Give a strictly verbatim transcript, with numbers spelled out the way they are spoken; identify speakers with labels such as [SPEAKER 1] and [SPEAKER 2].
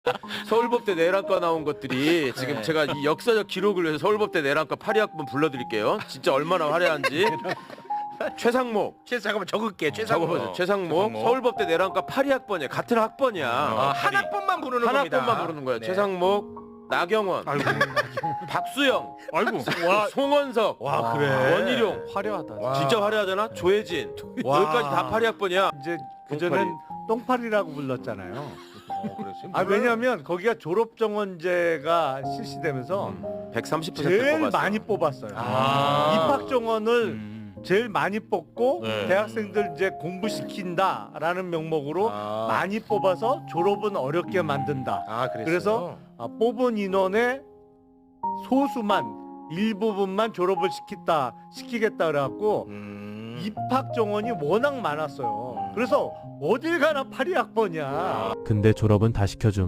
[SPEAKER 1] 서울법대 내란과 나온 것들이 지금
[SPEAKER 2] 네.
[SPEAKER 1] 제가 이 역사적 기록을 위해서 서울법대 내란과 파리 학번 불러드릴게요. 진짜 얼마나 화려한지. 최상목.
[SPEAKER 2] 최 잠깐만 적을게. 최상목.
[SPEAKER 1] 적어보세요. 최상목.
[SPEAKER 2] 최상목.
[SPEAKER 1] 서울법대 내란과 파리 학번이야. 같은 학번이야.
[SPEAKER 2] 아, 한 학번만 부르는
[SPEAKER 1] 한
[SPEAKER 2] 겁니다.
[SPEAKER 1] 학번만 부르는 거야.
[SPEAKER 2] 네.
[SPEAKER 1] 최상목, 나경원,
[SPEAKER 3] 아이고.
[SPEAKER 1] 박수영,
[SPEAKER 3] 아이고. 와.
[SPEAKER 1] 송원석,
[SPEAKER 2] 와 그래.
[SPEAKER 1] 원희룡.
[SPEAKER 3] 화려하다.
[SPEAKER 2] 와.
[SPEAKER 1] 진짜 화려하잖아. 조혜진.
[SPEAKER 2] 와.
[SPEAKER 1] 여기까지 다 파리 학번이야.
[SPEAKER 4] 이제 그전엔 똥파리라고 불렀잖아요.
[SPEAKER 2] 어, 그랬어요?
[SPEAKER 4] 아 왜냐면 거기가 졸업 정원제가 실시되면서
[SPEAKER 1] 백삼십 퍼센트
[SPEAKER 4] 제일
[SPEAKER 1] 뽑았어.
[SPEAKER 4] 많이 뽑았어요.
[SPEAKER 2] 아.
[SPEAKER 4] 입학 정원을
[SPEAKER 3] 음.
[SPEAKER 4] 제일 많이 뽑고
[SPEAKER 2] 네.
[SPEAKER 4] 대학생들 이제 공부시킨다라는 명목으로
[SPEAKER 2] 아.
[SPEAKER 4] 많이 뽑아서 졸업은 어렵게 만든다.
[SPEAKER 2] 아 그랬어요?
[SPEAKER 4] 그래서 아, 뽑은 인원의 소수만 일부분만 졸업을 시켰다 시키겠다 그래갖고
[SPEAKER 2] 음.
[SPEAKER 4] 입학 정원이 워낙 많았어요. 그래서 어딜 가나 파리 학번이야.
[SPEAKER 5] 근데 졸업은 다 시켜줌.